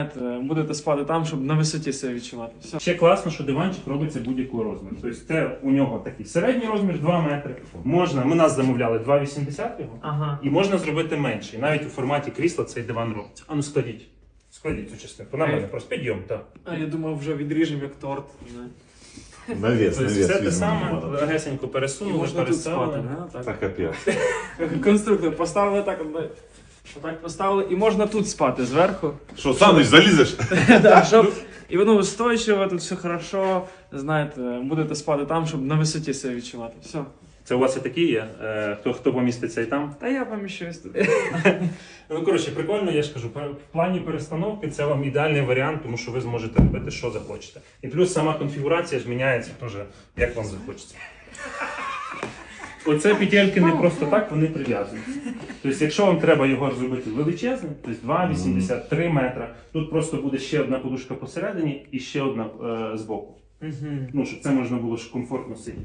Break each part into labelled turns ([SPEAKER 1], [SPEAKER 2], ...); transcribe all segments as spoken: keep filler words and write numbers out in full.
[SPEAKER 1] Будете спати там, щоб на висоті себе відчувати. Все.
[SPEAKER 2] Ще класно, що диванчик робиться будь-якого розміру. Тобто це у нього такий середній розмір два метри. Можна, ми нас замовляли два вісімдесят його,
[SPEAKER 1] Ага.
[SPEAKER 2] і можна зробити менший. Навіть у форматі крісла цей диван робиться. А ну складіть. Складіть цю частинку. На мене просто підйом, так.
[SPEAKER 1] А я думав, вже відріжемо як торт.
[SPEAKER 3] Навес,
[SPEAKER 2] Тобто
[SPEAKER 3] навес.
[SPEAKER 2] все те
[SPEAKER 3] візьмемо.
[SPEAKER 2] саме,
[SPEAKER 3] Надо.
[SPEAKER 2] легесенько
[SPEAKER 1] І
[SPEAKER 2] пересунули,
[SPEAKER 1] можна тут спати,
[SPEAKER 2] переставили.
[SPEAKER 1] да? Так.
[SPEAKER 3] Так капець.
[SPEAKER 1] Конструктор поставили так, отак поставили, і можна тут спати зверху.
[SPEAKER 3] Що, Саныч, залізеш?
[SPEAKER 1] Да, щоб і воно устойчиво, тут все хорошо. Знаєте, будете спати там, щоб на висоті себе відчувати. Все.
[SPEAKER 2] Це у вас і такі є? Е, Хто, хто поміститься і там?
[SPEAKER 1] Та я поміщусь туди.
[SPEAKER 2] Ну, коротше, прикольно, я ж кажу, в плані перестановки це вам ідеальний варіант, тому що ви зможете робити, що захочете. І плюс сама конфігурація ж міняється теж, як вам захочеться. Оце петельки не просто так, вони прив'язані. Тобто, якщо вам треба його зробити величезним, тобто два вісімдесят три метра, тут просто буде ще одна подушка посередині і ще одна е, збоку. Ну, щоб це можна було ж комфортно сидіти.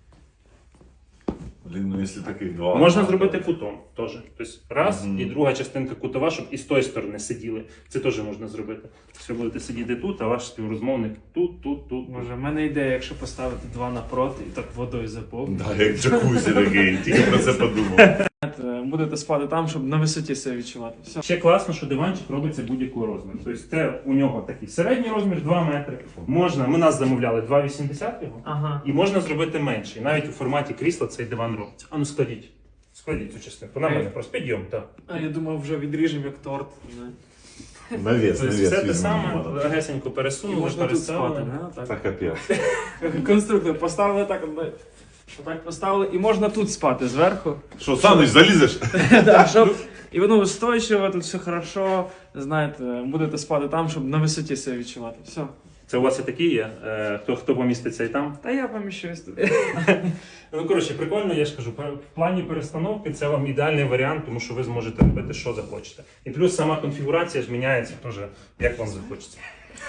[SPEAKER 3] Блін, ну якщо таких два.
[SPEAKER 2] Можна зробити кутом теж. Тобто раз
[SPEAKER 3] Мгм.
[SPEAKER 2] і друга частинка кутова, щоб і з тої сторони сиділи. Це теж можна зробити. Все будете сидіти тут, а ваш співрозмовник тут, тут, тут.
[SPEAKER 1] Може, в мене ідея, якщо поставити два напроти і так водою заповнити.
[SPEAKER 3] Да, як джакузі такий, тільки про це подумав.
[SPEAKER 1] Будете спати там, щоб на висоті себе відчувати. Все.
[SPEAKER 2] Ще класно, що диванчик робиться будь-якого розміру. Тобто це у нього такий середній розмір два метри. Можна, ми нас замовляли два вісімдесят його,
[SPEAKER 1] Ага.
[SPEAKER 2] і можна зробити менший. Навіть у форматі крісла цей диван робиться. А ну складіть. Складіть цю частинку. На мене просто підйом, так.
[SPEAKER 1] А я думав, вже відріжемо як торт.
[SPEAKER 3] Навес,
[SPEAKER 2] Тобто
[SPEAKER 3] навес.
[SPEAKER 2] все те
[SPEAKER 3] візьмемо.
[SPEAKER 2] саме,
[SPEAKER 3] Надо.
[SPEAKER 2] легесенько
[SPEAKER 1] І
[SPEAKER 2] пересунули,
[SPEAKER 1] можна тут спати,
[SPEAKER 2] переставили.
[SPEAKER 1] да?
[SPEAKER 3] Так
[SPEAKER 1] Так.
[SPEAKER 3] капець.
[SPEAKER 1] Конструктор поставили так, отак поставили, і можна тут спати зверху.
[SPEAKER 3] Що, Саныч, залізеш?
[SPEAKER 1] Да, щоб і воно устойчиво, тут все хорошо. Знаєте, будете спати там, щоб на висоті себе відчувати. Все.
[SPEAKER 2] Це у вас і такі є? Е, Хто, хто поміститься і там?
[SPEAKER 1] Та я поміщусь туди.
[SPEAKER 2] Ну, коротше, прикольно, я ж кажу, в плані перестановки це вам ідеальний варіант, тому що ви зможете робити, що захочете. І плюс сама конфігурація ж міняється теж, як вам захочеться.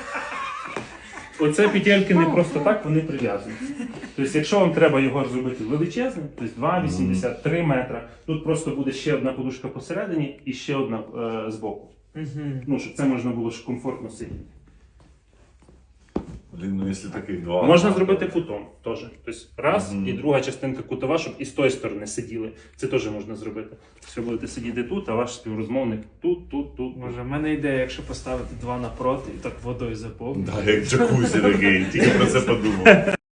[SPEAKER 2] Оце петельки не просто так, вони прив'язані. Тобто, якщо вам треба його зробити величезним, тобто два вісімдесят три метра, тут просто буде ще одна подушка посередині і ще одна е, збоку. Ну, щоб це можна було ж комфортно сидіти.
[SPEAKER 3] Блін, ну якщо таких два.
[SPEAKER 2] Можна зробити кутом теж. Тобто раз
[SPEAKER 3] Мгм.
[SPEAKER 2] і друга частинка кутова, щоб і з тої сторони сиділи. Це теж можна зробити. Все будете сидіти тут, а ваш співрозмовник тут, тут, тут.
[SPEAKER 1] Може, в мене ідея, якщо поставити два напроти і так водою заповнити.
[SPEAKER 3] Да, як джакузі такий, тільки про це подумав.